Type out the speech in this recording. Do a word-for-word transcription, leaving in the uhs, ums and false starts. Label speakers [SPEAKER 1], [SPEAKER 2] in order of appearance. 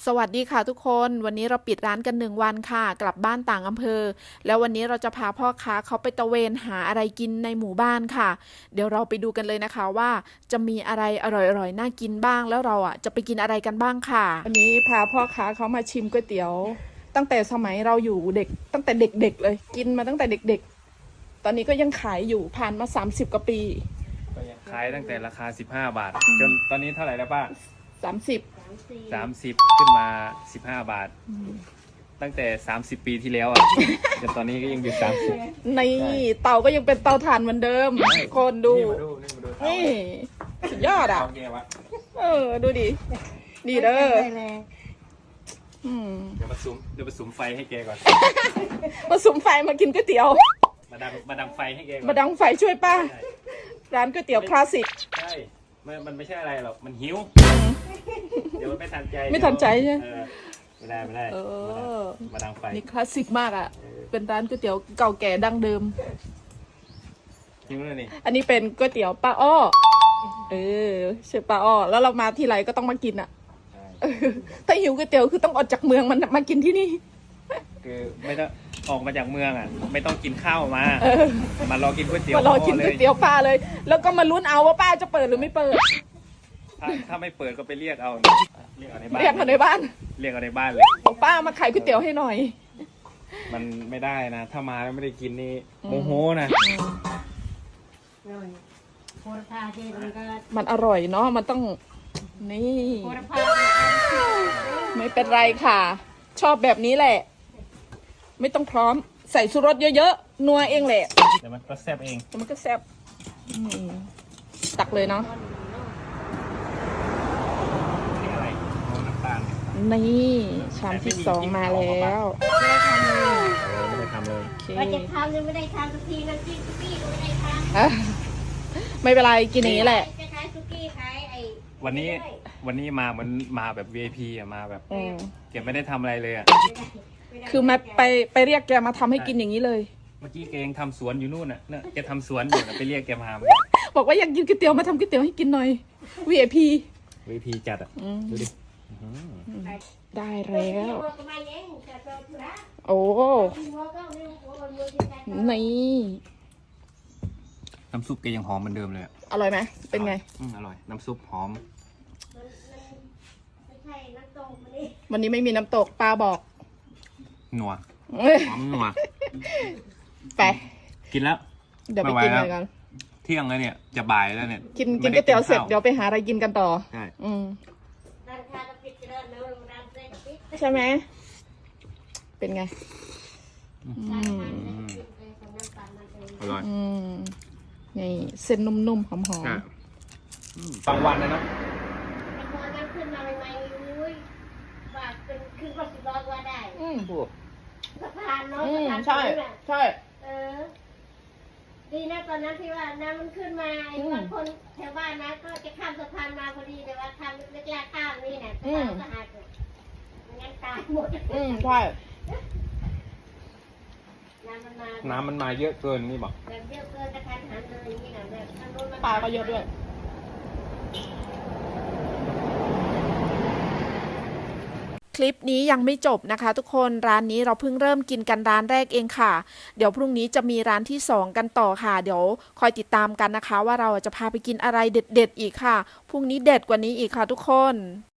[SPEAKER 1] สวัสดีค่ะทุกคนวันนี้เราปิดร้านกันหนึ่งวันค่ะกลับบ้านต่างอำเภอแล้ววันนี้เราจะพาพ่อค้าเขาไปตะเวนหาอะไรกินในหมู่บ้านค่ะเดี๋ยวเราไปดูกันเลยนะคะว่าจะมีอะไรอร่อยๆน่ากินบ้างแล้วเราอ่ะจะไปกินอะไรกันบ้างค่ะวันนี้พาพ่อค้าเขามาชิมก๋วยเตี๋ยวตั้งแต่สมัยเราอยู่เด็กตั้งแต่เด็กๆเลยกินมาตั้งแต่เด็กๆตอนนี้ก็ยังขายอยู่ผ่านมาสามสิบกว่าปี
[SPEAKER 2] ก็ยังขายตั้งแต่ราคาสิบห้าบาทจนตอนนี้เท่าไหร่แล้วป้า
[SPEAKER 1] สามสิบ
[SPEAKER 2] สามสิบขึ้นมาสิบห้าบาทตั้งแต่สามสิบปีที่แล้วอ่ะจนตอนนี้ก็ยังอยู่สามสิบ
[SPEAKER 1] ในเตาก็ยังเป็นเตาถ่านเหมือนเดิมคนดูนี่สุดยอดอ่ะเออดูดิดีเด้อ
[SPEAKER 2] เดี๋ยวมาสุมเดี๋ยวมาสุมไฟให้แกก่อน
[SPEAKER 1] มาสุมไฟมากินก๋วยเตี๋ยว
[SPEAKER 2] มาดังมาดังไฟให้แกก่อน
[SPEAKER 1] มาดังไฟช่วยป้าร้านก๋วยเตี๋ยวคลาสสิก
[SPEAKER 2] ใช่มันไม่ใช่อะไรหรอกมันหิวเดี๋ยวมันไม่ทันใจ
[SPEAKER 1] ไม่ทันใจใช่
[SPEAKER 2] ไม่ได้ไม่ได้มาดังไฟ
[SPEAKER 1] นี่คลาสสิกมากอ่ะเป็นร้านก๋วยเตี๋ยวเก่าแก่ดั้งเดิม
[SPEAKER 2] หิวเลยนี่
[SPEAKER 1] อันนี้เป็นก๋วยเตี๋ยวป้าอ้อเออชื่อป้าอ้อแล้วเรามาทีไรก็ต้องมากินอ่ะถ้าหิวก๋วยเตี๋ยวคือต้องออกจากเมืองมันมากินที่นี่
[SPEAKER 2] คือไม่ต้องออกมาจากเมืองอ่ะไม่ต้องกินข้าวมามารอกินก๋วยเตี๋ยว
[SPEAKER 1] มารอกินก๋วยเตี๋ยวป้าเลย แล้วก็มาลุ้นเอาว่าป้าจะเปิดหรือไม่เปิด
[SPEAKER 2] ถ้าถ้าไม่เปิดก็ไปเรียกเอาเรียกเอาในบ้าน
[SPEAKER 1] เรียกเอาในบ้าน
[SPEAKER 2] เรียกเอาในบ้านเลย
[SPEAKER 1] บอกป้ามาขายก๋วยเตี๋ยวให้หน่อย
[SPEAKER 2] มันไม่ได้นะถ้ามาแล้วไม่ได้กินนี่โมโหนะ
[SPEAKER 1] มันอร่อยเนาะมันต้องนี่ไม่เป็นไรค่ะชอบแบบนี้แหละไม่ต้องพร้อมใส่ชูรสเยอะๆนัวเองแหละ
[SPEAKER 2] แต่มันก็แซ่บเอง
[SPEAKER 1] แต่มันก็แซ่บตักเลยเนาะ
[SPEAKER 2] อะไรน้ำตาล
[SPEAKER 1] นี่ชามที่สองมาแล้ว
[SPEAKER 2] ไม่ได้ทำเลยไม่ได้ทำเลย
[SPEAKER 3] ว่าจะทำยังไม่ได้ทำสักทีน้ำจิ้มซุกี้ก็ไม่ได้ท
[SPEAKER 1] ำไม่เป็นไรกินอย่างนี้แหละ
[SPEAKER 3] จะขายซุกี้ขายไอ้
[SPEAKER 2] วันนี้วันนี้มาเหมือนมาแบบ วี ไอ พี อ่ะมาแบบเก็บไม่ได้ทำอะไรเลยอ่ะ
[SPEAKER 1] คือมาไปไปเรียกแกมาทำให้กินอย่างนี้เลย
[SPEAKER 2] เมื่อกี้แกยังทำสวนอยู่นู่นน่ะเนี่ยแกทำสวนอยู่ไปเรียกแกมา
[SPEAKER 1] บอกว่าอยากกินก๋วยเตี๋ยวมาทำก๋วยเตี๋ยวให้กินหน่อย วี ไอ พี
[SPEAKER 2] วี ไอ พี จัดอ่ะดูดิ
[SPEAKER 1] ได้แล้วโอ้นี่
[SPEAKER 2] น้ำซุปแกยังหอมเหมือนเดิมเลย
[SPEAKER 1] อร่อยไหมเป็นไง
[SPEAKER 2] อร่อยน้ำซุปหอม
[SPEAKER 1] วันนี้ไม่มีน้ำตกป้าบอก
[SPEAKER 2] นัวหอมนัว
[SPEAKER 1] ไป
[SPEAKER 2] กินแล้ว
[SPEAKER 1] เดี๋ยวไปกินอะไรกัน
[SPEAKER 2] เที่ยงแล้วเนี่ยจะบ่ายแล้วเนี่ย
[SPEAKER 1] กินกินก๋วยเตี๋ยวเสร็จเดี๋ยวไปหาอะไรกินกันต่อ
[SPEAKER 2] ใช่
[SPEAKER 1] อืมใช่ไหมเป็นไง
[SPEAKER 2] อร่อย
[SPEAKER 1] นี่เส้นนุ่มๆหอม
[SPEAKER 2] ๆบางวันนะเนาะ
[SPEAKER 3] ขึ้นมาใหม่ๆอุ้ยบาทเป็นขึ้นรถสิบล้อว่าได้
[SPEAKER 1] อืมถูก
[SPEAKER 3] สะพานเนาะ
[SPEAKER 1] ใช่ใช่
[SPEAKER 3] เออดีนะตอนนั้นที่ว่าน้ำมันขึ้นมาบางคนแถวบ้านนะก็จะข้ามสะพานมาพอดีแต่ว่าข้ามเล็กๆข้ามนี่เนี่ยสะพานก็หักงั้นตายหมด
[SPEAKER 1] อืมใช่
[SPEAKER 3] น้ำมันมา
[SPEAKER 2] น้ำมันมาเยอะเกินนี่บอก
[SPEAKER 3] แบบเยอะเกินกระทันหันเลยนี่นะแบบทางโน้น
[SPEAKER 1] ปลาก็เยอะด้วยคลิปนี้ยังไม่จบนะคะทุกคนร้านนี้เราเพิ่งเริ่มกินกันร้านแรกเองค่ะเดี๋ยวพรุ่งนี้จะมีร้านที่สองกันต่อค่ะเดี๋ยวคอยติดตามกันนะคะว่าเราจะพาไปกินอะไรเด็ดๆอีกค่ะพรุ่งนี้เด็ดกว่านี้อีกค่ะทุกคน